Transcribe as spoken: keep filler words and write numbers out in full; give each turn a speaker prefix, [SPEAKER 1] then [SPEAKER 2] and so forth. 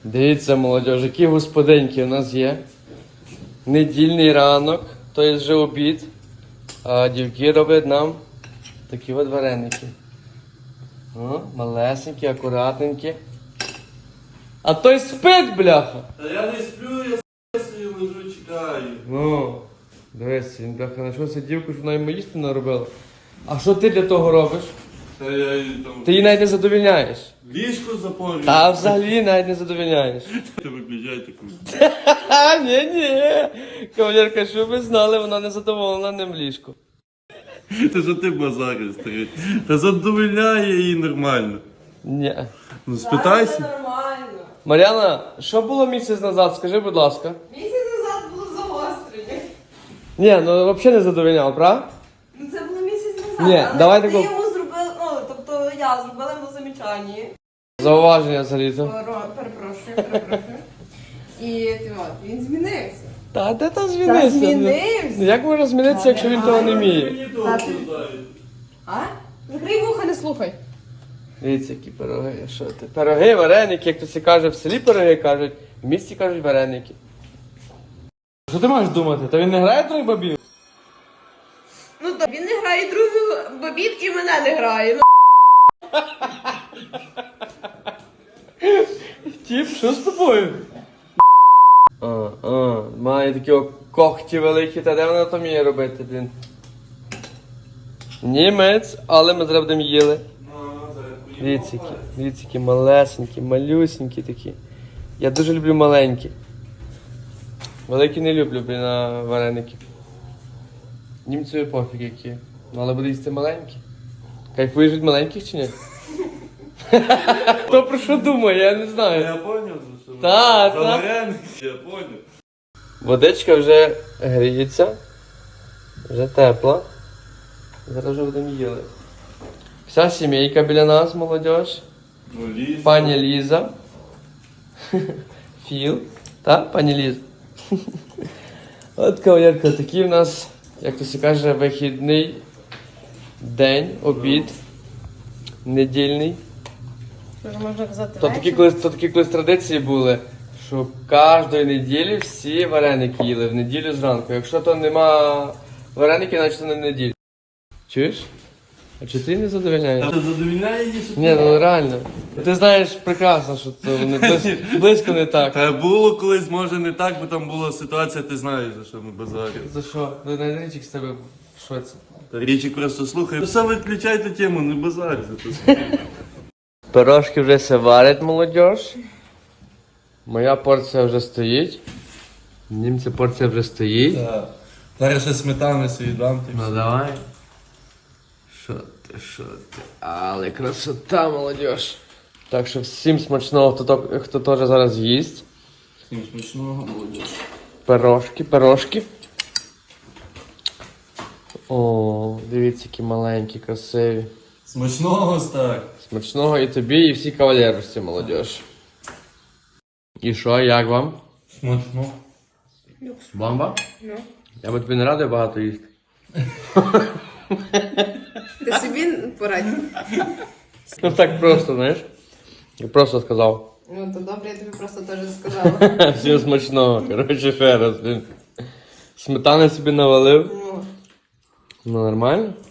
[SPEAKER 1] Дивіться, молодь, які господинки у нас є. Недільний ранок, то є вже обід. А дівки роблять нам такі от вареники. О, малесенькі, акуратненькі. А той спить, бляха!
[SPEAKER 2] Та я не сплю, я собі лежу, чекаю.
[SPEAKER 1] Ну, дивись, він бляха знайшовся дівку, що вона йому їсти наробила. А що ти для того робиш?
[SPEAKER 2] Та я її там...
[SPEAKER 1] Ти її навіть не задовільняєш.
[SPEAKER 2] Ліжко запорюю.
[SPEAKER 1] Та взагалі навіть не задовільняєш.
[SPEAKER 2] Ти виключай таку.
[SPEAKER 1] Ха, ні-ні. Кавалерка, що ви знали, вона не задоволена ним ліжку.
[SPEAKER 2] Та що ти базариш, старий? Та задовольняє її нормально.
[SPEAKER 1] Ні.
[SPEAKER 2] Ну спитайся.
[SPEAKER 3] Нормально.
[SPEAKER 1] Мар'яна, що було місяць назад, скажи, будь ласка.
[SPEAKER 3] Місяць назад було загострення.
[SPEAKER 1] Ні, ну взагалі не задовольняв, правда?
[SPEAKER 3] Ну це було місяць назад.
[SPEAKER 1] Ні,
[SPEAKER 3] але
[SPEAKER 1] давай
[SPEAKER 3] ти
[SPEAKER 1] таку-
[SPEAKER 3] йому зробив, ну, тобто я зробила йому замічання.
[SPEAKER 1] Зауваження взагалі-то.
[SPEAKER 3] Перо- Перепрошую, перепрошую. І ти от, він змінився.
[SPEAKER 1] Та де там
[SPEAKER 3] Та
[SPEAKER 1] змінився?
[SPEAKER 3] змінився.
[SPEAKER 1] Ну, як може змінитися, якщо він того не вміє?
[SPEAKER 2] Мені довго знають.
[SPEAKER 3] А? Закрий вуха, не слухай.
[SPEAKER 1] Дивіться, які пироги, що ти? Пироги, вареники, як то всі каже, в селі пироги кажуть, в місті кажуть вареники. Що ти маєш думати? Та він не грає трьох бабів?
[SPEAKER 3] Ну то він не грає другу бабів і мене не грає. Ну,
[SPEAKER 1] Тіп, що з тобою? А, а, має такі о- когті великі, та де вона то вміє робити, блін? Німець, але ми зараз будемо їли. Дивіться, які, дивіться, які малесенькі, малюсенькі такі. Я дуже люблю маленькі. Великі не люблю, блін, на вареники. Німцеві пофіг які. Ну, але буде їсти маленькі. Кайфуєш від маленьких чи ні? Хто про що думає, я не знаю.
[SPEAKER 2] Я поняв, за що.
[SPEAKER 1] Та,
[SPEAKER 2] За
[SPEAKER 1] та.
[SPEAKER 2] вареники, я поняв.
[SPEAKER 1] Водичка вже гріється, вже тепла. Зараз вже будемо їли. Вся сімейка біля нас, молодь.
[SPEAKER 2] Ну, ліс.
[SPEAKER 1] Пані Ліза. Філ. Так, пані Ліза? От кавалерка, такий в нас, як то се каже, вихідний день, обід, недільний.
[SPEAKER 3] що можна казати,
[SPEAKER 1] То такі колись, то такі колись традиції були, що кожної неділі всі вареники їли в неділю зранку. Якщо то нема вареників, значить то не неділя. Чуєш? А чи ти не задовольняєш?
[SPEAKER 2] Та задовільняє її, що
[SPEAKER 1] Ні, ну реально. Ти знаєш прекрасно, що це не близько, близько не так.
[SPEAKER 2] Та було колись, може не так, бо там була ситуація, ти знаєш, за що ми базарили.
[SPEAKER 1] За що? Ну, найдрічик з тебе в шоці.
[SPEAKER 2] Та річі просто слухай. Ну, все виключайте тему, не базар за то.
[SPEAKER 1] Пирожки вже се варять, молодь. Моя порція вже стоїть. Німця порція вже стоїть.
[SPEAKER 2] Так. Зараз ще сметани собі дам. ти
[SPEAKER 1] Ну
[SPEAKER 2] все.
[SPEAKER 1] давай. Що ти, що ти? Але красота, молодь. Так що всім смачного, хто, то- хто теж зараз їсть.
[SPEAKER 2] Всім смачного, молодь.
[SPEAKER 1] Пирожки, пирожки. О, дивіться, які маленькі, красиві.
[SPEAKER 2] Смачного, так.
[SPEAKER 1] Смачного і тобі, і всій кавалерості, молодь. І що, як вам?
[SPEAKER 2] Смачно.
[SPEAKER 1] Бомба?
[SPEAKER 3] Ну.
[SPEAKER 1] Я би тобі не радий багато їсти.
[SPEAKER 3] Ти собі порадь.
[SPEAKER 1] Ну так просто, знаєш? Я просто сказав.
[SPEAKER 3] Ну то добре, я тобі просто теж сказала.
[SPEAKER 1] Всім смачного, коротше, ще раз, блін. Сметани собі навалив.
[SPEAKER 3] Ну.
[SPEAKER 1] Ну нормально.